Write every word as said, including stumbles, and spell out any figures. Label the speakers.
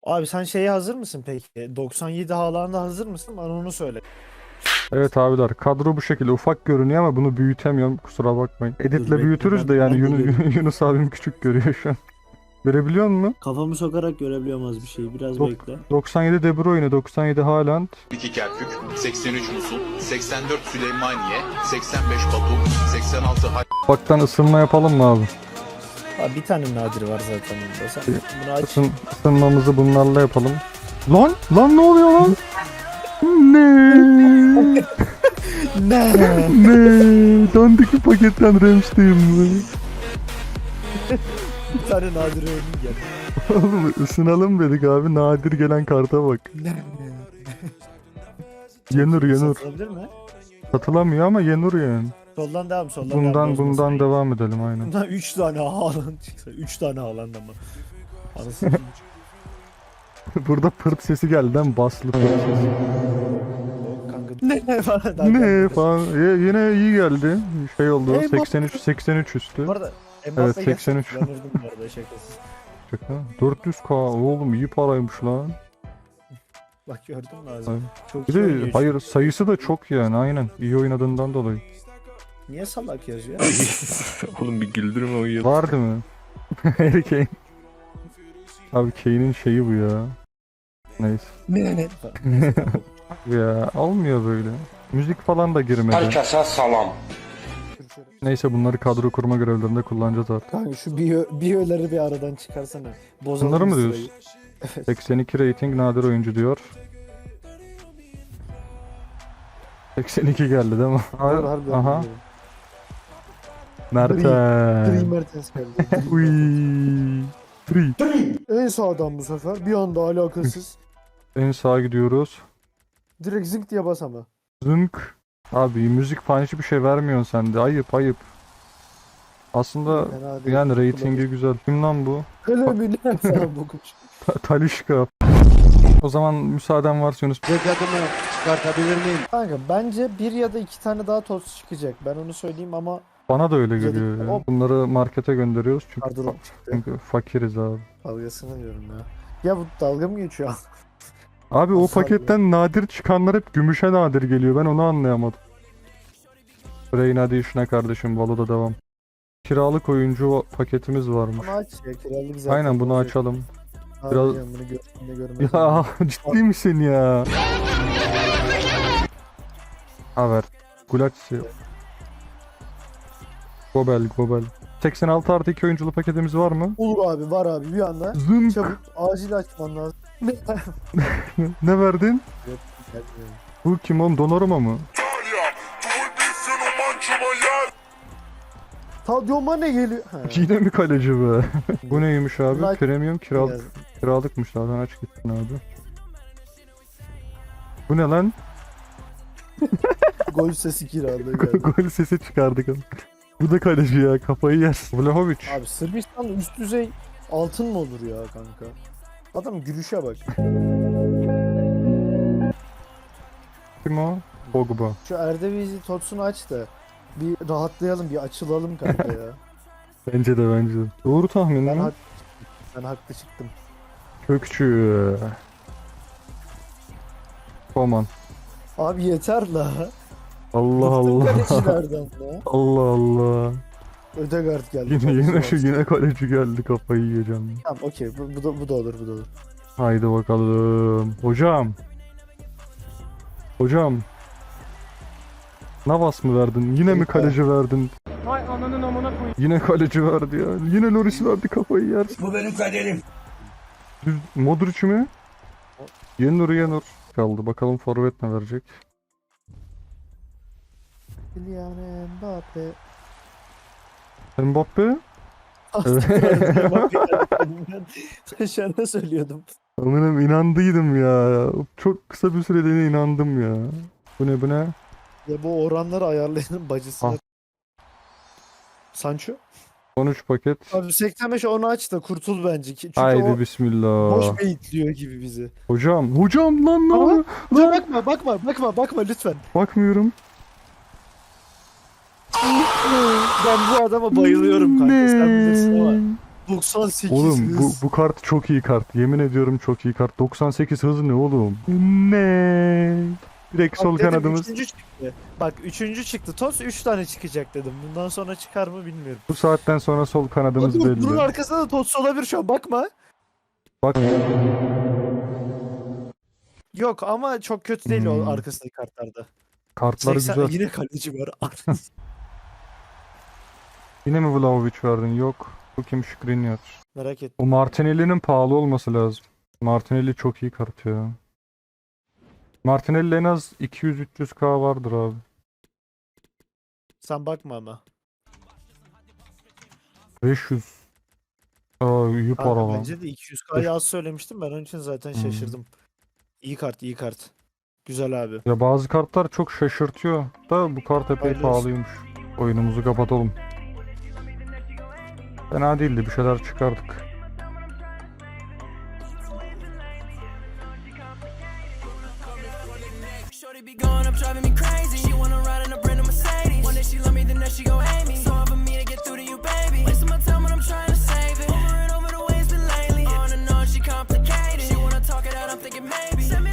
Speaker 1: Abi sen şeye hazır mısın peki? doksan yedi Haaland'a hazır mısın? Bana onu söyle.
Speaker 2: Evet abiler, kadro bu şekilde ufak görünüyor ama bunu büyütemiyorum, kusura bakmayın.
Speaker 1: Dur
Speaker 2: Editle
Speaker 1: bekle,
Speaker 2: büyütürüz
Speaker 1: ben,
Speaker 2: de yani
Speaker 1: ben de
Speaker 2: Yunus,
Speaker 1: göreyim.
Speaker 2: Yunus abim küçük görüyor şu an. Görebiliyor musun?
Speaker 1: Kafamı sokarak görebiliyorum az bir şey. Biraz
Speaker 2: Dok-
Speaker 1: bekle.
Speaker 2: doksan yedi De Bruyne, doksan yedi Haaland.
Speaker 3: iki Kerkük, seksen üç Musul, seksen dört Süleymaniye, seksen beş Batum, seksen altı Hay...
Speaker 2: Ufaktan ısınma yapalım mı abi?
Speaker 1: Abi bir tane nadir var zaten bunda. Sen bunu aç.
Speaker 2: Isın, ısınmamızı bunlarla yapalım. Lan! Lan ne oluyor lan? Ne?
Speaker 1: Ne?
Speaker 2: Ne? Dandik bir paketten Rams'teyim mi?
Speaker 1: Bir tane nadir örneğin gel.
Speaker 2: Oğlum ısınalım dedik abi, nadir gelen karta bak.
Speaker 1: Ne?
Speaker 2: Yenur yenur.
Speaker 1: Satılabilir mi?
Speaker 2: Satılamıyor ama yenur yani.
Speaker 1: Soldan devam, soldan devam.
Speaker 2: Bundan
Speaker 1: bozmasın.
Speaker 2: bundan devam edelim aynen.
Speaker 1: Bundan üç tane Haaland çıksa. üç tane Haaland ama. Anasını satayım.
Speaker 2: Burada pırt sesi geldi lan, baslı pırt sesi.
Speaker 1: Kanka. Ne falan. Daha
Speaker 2: Ne
Speaker 1: gelmedi.
Speaker 2: falan. Y- yine iyi geldi. Şey oldu.
Speaker 1: Ey,
Speaker 2: seksen üç seksen üç üstü.
Speaker 1: Bu arada
Speaker 2: Evet,
Speaker 1: Mbappe
Speaker 2: seksen üç.
Speaker 1: gerçekten kullanırdım bu arada şakasız.
Speaker 2: Şaka. dört yüz K oğlum, iyi paraymış lan.
Speaker 1: Bak gördün mü
Speaker 2: Aynen.
Speaker 1: lazım. Çok
Speaker 2: Bir
Speaker 1: iyi
Speaker 2: de
Speaker 1: oynuyor
Speaker 2: hayır,
Speaker 1: çünkü.
Speaker 2: sayısı da çok yani, aynen. İyi oynadığından dolayı.
Speaker 1: Niye salak yazıyor?
Speaker 4: Oğlum bir güldürme o yıl.
Speaker 2: Var değil mi? Harry Kane. Abi Kane'in şeyi bu ya. Neyse.
Speaker 1: Ne ne?
Speaker 2: Ya olmuyor böyle. Müzik falan da girmedi.
Speaker 5: Herkese salam.
Speaker 2: Neyse, bunları kadro kurma görevlerinde kullanacağız artık.
Speaker 1: Kanka şu biyo, biyoları bir aradan çıkarsana. Bozalım
Speaker 2: Bunları mı
Speaker 1: sırayı.
Speaker 2: diyorsun? seksen iki rating nadir oyuncu diyor. seksen iki geldi değil mi?
Speaker 1: Harbi, harbi
Speaker 2: Aha.
Speaker 1: Gri
Speaker 2: Mertens.
Speaker 1: Mertens geldi.
Speaker 2: Uy. Free.
Speaker 1: En sağdan bu sefer. Bir anda alakasız.
Speaker 2: En sağa gidiyoruz.
Speaker 1: Direkt zınk diye bas ama.
Speaker 2: Zınk. Abi müzik falan hiçbir şey vermiyorsun sen de. Ayıp ayıp. Aslında
Speaker 1: Fena değil.
Speaker 2: yani ratingi güzel. Kim lan bu?
Speaker 1: Hele mi ne sen bu kuş?
Speaker 2: Ta- Talişka. O zaman müsaaden varsa Yunus.
Speaker 6: Ceketimi çıkartabilir miyim?
Speaker 1: Kanka bence bir ya da iki tane daha toz çıkacak. Ben onu söyleyeyim ama
Speaker 2: Bana da öyle
Speaker 1: Güzel.
Speaker 2: geliyor ya.
Speaker 1: Hop.
Speaker 2: Bunları markete gönderiyoruz çünkü,
Speaker 1: Pardon,
Speaker 2: fa-
Speaker 1: çıktı.
Speaker 2: çünkü fakiriz abi.
Speaker 1: Dalgasını diyorum ya. Ya bu dalga mı geçiyor?
Speaker 2: Abi o
Speaker 1: Nasıl
Speaker 2: paketten nadir çıkanlar hep gümüşe nadir geliyor. Ben onu anlayamadım. Rain hadi işine kardeşim. Valo'da devam. Kiralık oyuncu paketimiz varmış.
Speaker 1: Bunu aç ya, kiralık zaten.
Speaker 2: Aynen, bunu
Speaker 1: olacak.
Speaker 2: açalım.
Speaker 1: Abi
Speaker 2: biraz-
Speaker 1: canım, bunu gördüğümde görmez.
Speaker 2: Ya ciddi misin ya? Haber. Gulaçsi. Gobel, Gobel. seksen altı artı iki oyunculu paketimiz var mı?
Speaker 1: Olur abi, var abi bir anda.
Speaker 2: Zınk.
Speaker 1: Çabuk acil açman lazım.
Speaker 2: Ne verdin?
Speaker 1: Gelmiyor.
Speaker 2: Bu kim oğlum? Donnarumma mı?
Speaker 1: Sadio Mane geliyor. Ha.
Speaker 2: Yine mi kaleci be? Bu neymiş abi?
Speaker 1: Bunlar-
Speaker 2: Premium kiralık. Kiralıkmış zaten, aç gitsin abi. Bu ne lan?
Speaker 1: Gol sesi kiralığı geldi.
Speaker 2: Gol sesi çıkardık. Bu da kaleci ya, kafayı yer. Vlahovic.
Speaker 1: Abi Sırbistan'da üst düzey altın mı olur ya kanka? Adam gülüşe bak.
Speaker 2: Kim o? Pogba.
Speaker 1: Şu Eredivisie Tots'unu aç da bir rahatlayalım, bir açılalım kanka ya.
Speaker 2: Bence de bence de. Doğru tahmin
Speaker 1: Ben,
Speaker 2: mi?
Speaker 1: hak, ben haklı çıktım.
Speaker 2: Kökçü. Koman.
Speaker 1: Abi yeter la.
Speaker 2: Allah Allah.
Speaker 1: Kalecilerden la.
Speaker 2: Allah Allah.
Speaker 1: Ödegaard geldi.
Speaker 2: Yine
Speaker 1: kaleci
Speaker 2: yine
Speaker 1: var.
Speaker 2: şu yine kaleci geldi, kafayı yiyeceğim.
Speaker 1: Tamam okey, bu, bu, da, bu da olur, bu da olur.
Speaker 2: Haydi bakalım. Hocam. Hocam. Navas mı verdin? Yine mi kaleci verdin?
Speaker 7: Hay ananın amına koyayım.
Speaker 2: Yine kaleci verdi ya. Yine Loris verdi, kafayı yersin.
Speaker 6: Bu benim kaderim.
Speaker 2: Düz- Modric mi? Yenur Yenur. Kaldı. Bakalım forvet ne verecek?
Speaker 1: Kylian Mbappe.
Speaker 2: Mbappe? Evet.
Speaker 1: Sen şu an ne söylüyordum?
Speaker 2: Amirim inandıydım ya. Çok kısa bir süreliğine inandım ya. Bu ne bu ne?
Speaker 1: Ya bu oranları ayarlayanın bacısına.
Speaker 2: Ah.
Speaker 1: Sancho?
Speaker 2: on üç paket.
Speaker 1: Abi seksen beş onu aç da kurtul bence. ki- Çünkü
Speaker 2: Haydi
Speaker 1: o
Speaker 2: bismillah.
Speaker 1: boş beyitliyor gibi bizi.
Speaker 2: Hocam. Hocam lan ne
Speaker 1: Ama-
Speaker 2: oluyor?
Speaker 1: Dur
Speaker 2: Lan.
Speaker 1: bakma bakma bakma bakma lütfen.
Speaker 2: Bakmıyorum.
Speaker 1: Ben bu adama bayılıyorum kanka, sen bilirsin ama. doksan sekiz
Speaker 2: Oğlum bu,
Speaker 1: hız.
Speaker 2: bu kart çok iyi kart. Yemin ediyorum çok iyi kart. doksan sekiz hız ne oğlum? Ne? Direkt
Speaker 1: Bak
Speaker 2: sol
Speaker 1: dedim,
Speaker 2: kanadımız.
Speaker 1: Üçüncü çıktı. Bak üçüncü çıktı. Toz üç tane çıkacak dedim. Bundan sonra çıkar mı bilmiyorum.
Speaker 2: Bu saatten sonra sol kanadımız
Speaker 1: Dur, bunun
Speaker 2: belli.
Speaker 1: arkasında da Toz olabilir şu an bakma.
Speaker 2: Bak
Speaker 1: Yok ama çok kötü değil
Speaker 2: Hmm.
Speaker 1: o arkasındaki kartlarda.
Speaker 2: kartlar
Speaker 1: seksen
Speaker 2: güzel.
Speaker 1: yine kaleci var.
Speaker 2: Yine mi Vlahovic verdin? Yok. Bu kim Skriniar?
Speaker 1: Merak ettim.
Speaker 2: O Martinelli'nin pahalı olması lazım. Martinelli çok iyi kart ya. Martinelli en az iki yüz üç yüz K vardır abi.
Speaker 1: Sen bakma ama.
Speaker 2: beş yüz. Aa iyi para
Speaker 1: Kanka
Speaker 2: lan.
Speaker 1: bence de iki yüz K'yı az söylemiştim. Ben onun için zaten
Speaker 2: Hmm.
Speaker 1: şaşırdım. İyi kart, iyi kart. Güzel abi.
Speaker 2: Ya bazı kartlar çok şaşırtıyor da bu kart epey
Speaker 1: Hayırlı olsun.
Speaker 2: pahalıymış. Oyunumuzu kapatalım. Fena değildi, bir şeyler çıkardık.
Speaker 5: Shorty be going up, driving me crazy. She wanna ride in a brand new Mercedes. One day she love me, the next she gon' hate me. So hard for me to get through to you, baby. Wasting my time when I'm trying to save it. Over and over the way it's been lately. On and on, she complicated. She wanna talk it out, I'm thinking maybe.